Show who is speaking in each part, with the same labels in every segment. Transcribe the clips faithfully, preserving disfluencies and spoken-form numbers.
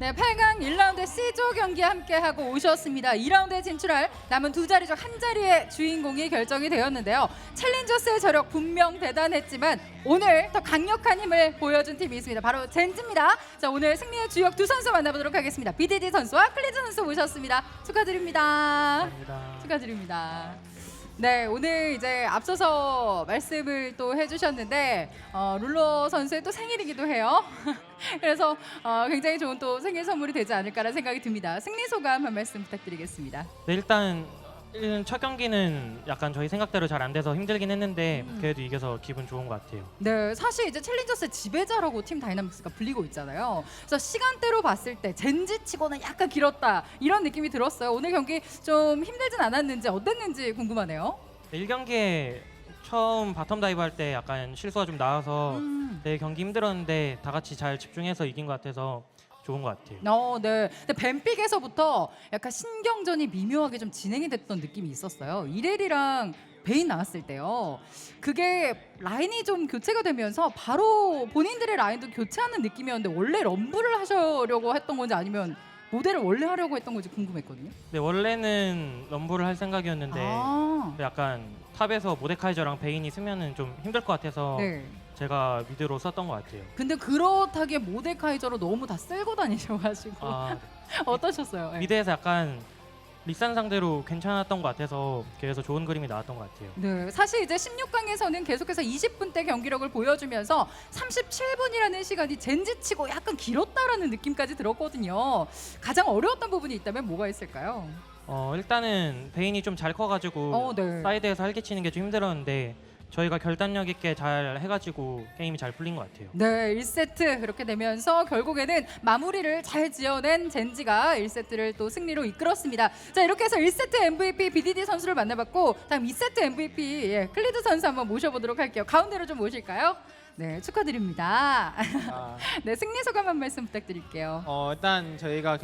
Speaker 1: 네, 팔 강 일 라운드 C조 경기 함께하고 오셨습니다. 이 라운드에 진출할 남은 두 자리 중 한 자리의 주인공이 결정이 되었는데요. 챌린저스의 저력 분명 대단했지만 오늘 더 강력한 힘을 보여준 팀이 있습니다. 바로 젠지입니다. 자, 오늘 승리의 주역 두 선수 만나보도록 하겠습니다. 비디디 선수와 클리즈 선수 모셨습니다. 축하드립니다.
Speaker 2: 감사합니다.
Speaker 1: 축하드립니다. 네, 오늘 이제 앞서서 말씀을 또 해주셨는데 어, 룰러 선수의 또 생일이기도 해요. 그래서 어, 굉장히 좋은 또 생일 선물이 되지 않을까라는 생각이 듭니다. 승리 소감 한 말씀 부탁드리겠습니다.
Speaker 2: 네, 일단 일- 첫 경기는 약간 저희 생각대로 잘 안 돼서 힘들긴 했는데
Speaker 1: 음.
Speaker 2: 그래도 이겨서 기분 좋은 것 같아요.
Speaker 1: 네, 사실 이제 챌린저스의 지배자라고 팀 다이나믹스가 불리고 있잖아요. 그래서 시간대로 봤을 때 젠지 치고는 약간 길었다 이런 느낌이 들었어요. 오늘 경기 좀 힘들진 않았는지 어땠는지 궁금하네요.
Speaker 2: 네, 일 경기에 처음 바텀 다이브 할 때 약간 실수가 좀 나와서
Speaker 1: 음.
Speaker 2: 네, 경기 힘들었는데 다 같이 잘 집중해서 이긴 것 같아서 좋은 것 같아요.
Speaker 1: 어, 네. 근데 뱀픽에서부터 약간 신경전이 미묘하게 좀 진행이 됐던 느낌이 있었어요. 이렐이랑 베인 나왔을 때요. 그게 라인이 좀 교체가 되면서 바로 본인들의 라인도 교체하는 느낌이었는데 원래 럼블을 하시려고 했던 건지 아니면 모델을 원래 하려고 했던 건지 궁금했거든요.
Speaker 2: 네, 원래는 럼블을 할 생각이었는데
Speaker 1: 아,
Speaker 2: 근데 약간 탑에서 모데카이저랑 베인이 쓰면은 좀 힘들 것 같아서
Speaker 1: 네.
Speaker 2: 제가 미드로 썼던 것 같아요.
Speaker 1: 근데 그렇다기에 모데카이저로 너무 다 쓸고 다니셔가지고
Speaker 2: 아,
Speaker 1: 어떠셨어요? 네.
Speaker 2: 미드에서 약간 리산 상대로 괜찮았던 것 같아서 그래서 좋은 그림이 나왔던 것 같아요.
Speaker 1: 네, 사실 이제 십육 강에서는 계속해서 이십 분대 경기력을 보여주면서 삼십칠 분이라는 시간이 젠지치고 약간 길었다라는 느낌까지 들었거든요. 가장 어려웠던 부분이 있다면 뭐가 있을까요?
Speaker 2: 어, 일단은 베인이 좀 잘 커가지고
Speaker 1: 어, 네.
Speaker 2: 사이드에서 활개치는 게 좀 힘들었는데 저희가 결단력 있게 잘 해가지고 게임이 잘 풀린 것 같아요.
Speaker 1: 네, 일 세트 그렇게 되면서 결국에는 마무리를 잘 지어낸 젠지가 일 세트를 또 승리로 이끌었습니다. 자, 이렇게 해서 일 세트 엠브이피 비디디 선수를 만나봤고 다음 이 세트 엠브이피 예, 클리드 선수 한번 모셔보도록 할게요. 가운데로 좀 모실까요? 네, 축하드립니다.
Speaker 3: 아,
Speaker 1: 네, 승리 소감 한 말씀 부탁드릴게요.
Speaker 3: 어, 일단 저희가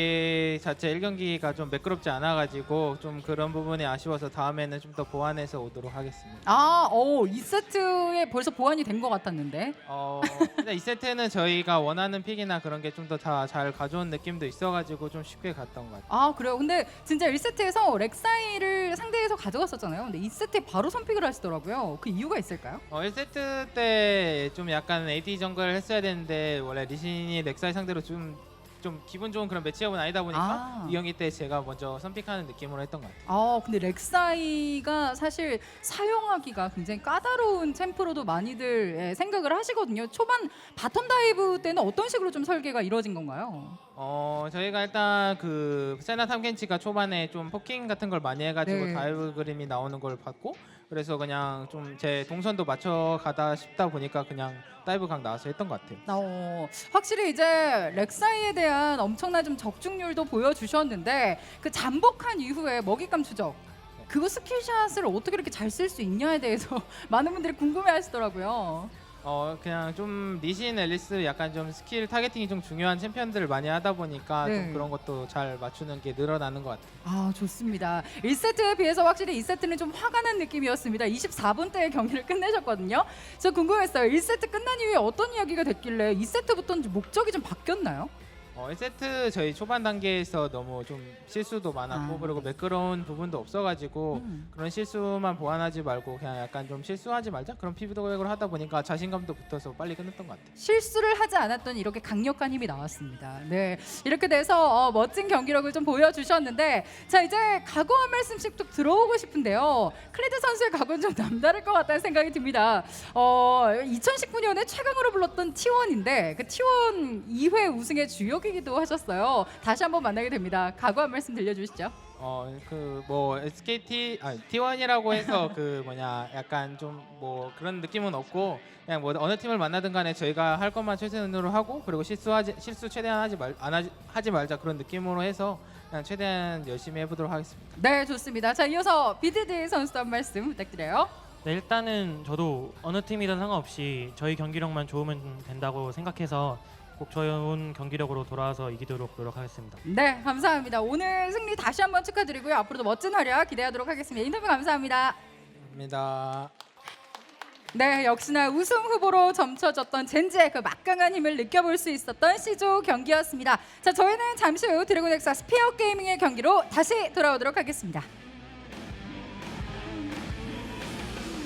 Speaker 3: 경기 자체 일 경기가 좀 매끄럽지 않아가지고 좀 그런 부분이 아쉬워서 다음에는 좀 더 보완해서 오도록 하겠습니다.
Speaker 1: 아, 오, 이 세트에 벌써 보완이 된 것 같았는데.
Speaker 3: 어, 일단 이 세트는 저희가 원하는 픽이나 그런 게 좀 더 다 잘 가져온 느낌도 있어가지고 좀 쉽게 갔던 것 같아요.
Speaker 1: 아, 그래요? 근데 진짜 일 세트에서 렉사이를 상대에서 가져갔었잖아요. 근데 이 세트에 바로 선픽을 하시더라고요. 그 이유가 있을까요?
Speaker 3: 어, 일 세트 때 좀 약간 에이디 정글 했어야 되는데 원래 리신이 렉사이 상대로 좀 좀 기분 좋은 그런 매치업은 아니다 보니까
Speaker 1: 아.
Speaker 3: 이 경기 때 제가 먼저 선픽하는 느낌으로 했던 것 같아요.
Speaker 1: 아, 근데 렉사이가 사실 사용하기가 굉장히 까다로운 챔프로도 많이들 예, 생각을 하시거든요. 초반 바텀 다이브 때는 어떤 식으로 좀 설계가 이루어진 건가요?
Speaker 3: 어 저희가 일단 그 세나 탐켄치가 초반에 좀 포킹 같은 걸 많이 해가지고
Speaker 1: 네.
Speaker 3: 다이브 그림이 나오는 걸 봤고 그래서 그냥 좀 제 동선도 맞춰 가다 싶다 보니까 그냥 다이브 각 나와서 했던 것 같아요.
Speaker 1: 어, 확실히 이제 렉사이에 대한 엄청난 좀 적중률도 보여주셨는데 그 잠복한 이후에 먹잇감 추적 그거 스킬샷을 어떻게 이렇게 잘 쓸 수 있냐에 대해서 많은 분들이 궁금해하시더라고요.
Speaker 3: 어 그냥 좀 리신 앨리스 약간 좀 스킬 타겟팅이 좀 중요한 챔피언들을 많이 하다 보니까
Speaker 1: 네.
Speaker 3: 좀 그런 것도 잘 맞추는 게 늘어나는 것 같아요.
Speaker 1: 아, 좋습니다. 일 세트에 비해서 확실히 이 세트는 좀 화가 난 느낌이었습니다. 이십사 분대의 경기를 끝내셨거든요. 저 궁금했어요. 일 세트 끝난 이후에 어떤 이야기가 됐길래 이 세트부터는 목적이 좀 바뀌었나요?
Speaker 3: 어, 일 세트 저희 초반 단계에서 너무 좀 실수도 많았고
Speaker 1: 아.
Speaker 3: 그리고 매끄러운 부분도 없어가지고
Speaker 1: 음.
Speaker 3: 그런 실수만 보완하지 말고 그냥 약간 좀 실수하지 말자 그런 피드백을 하다 보니까 자신감도 붙어서 빨리 끝냈던 것 같아요.
Speaker 1: 실수를 하지 않았더니 이렇게 강력한 힘이 나왔습니다. 네, 이렇게 돼서 어, 멋진 경기력을 좀 보여주셨는데 자, 이제 각오 한 말씀씩 또 들어보고 싶은데요. 클리드 선수의 각오는 좀 남다를 것 같다는 생각이 듭니다. 어, 이천십구 년에 최강으로 불렀던 티원인데 그 티원 이 회 우승의 주역이기도 하셨어요. 다시 한번 만나게 됩니다. 각오 한 말씀 들려주시죠.
Speaker 3: 어 그 뭐 에스케이티 아 티원이라고 해서 그 뭐냐 약간 좀 뭐 그런 느낌은 없고 그냥 뭐 어느 팀을 만나든 간에 저희가 할 것만 최선으로 하고 그리고 실수하지 실수 최대한 하지 말 안 하지, 하지 말자 그런 느낌으로 해서 그냥 최대한 열심히 해보도록 하겠습니다.
Speaker 1: 네, 좋습니다. 자, 이어서 비디디 선수 한 말씀 부탁드려요.
Speaker 2: 네, 일단은 저도 어느 팀이든 상관없이 저희 경기력만 좋으면 된다고 생각해서 꼭 좋은 경기력으로 돌아와서 이기도록 노력하겠습니다.
Speaker 1: 네, 감사합니다. 오늘 승리 다시 한번 축하드리고요. 앞으로도 멋진 활약 기대하도록 하겠습니다. 인터뷰 감사합니다.
Speaker 3: 감사합니다.
Speaker 1: 네, 역시나 우승 후보로 점쳐졌던 젠지의 그 막강한 힘을 느껴볼 수 있었던 C조 경기였습니다. 자, 저희는 잠시 후 드래곤 엑사 스피어 게이밍의 경기로 다시 돌아오도록 하겠습니다.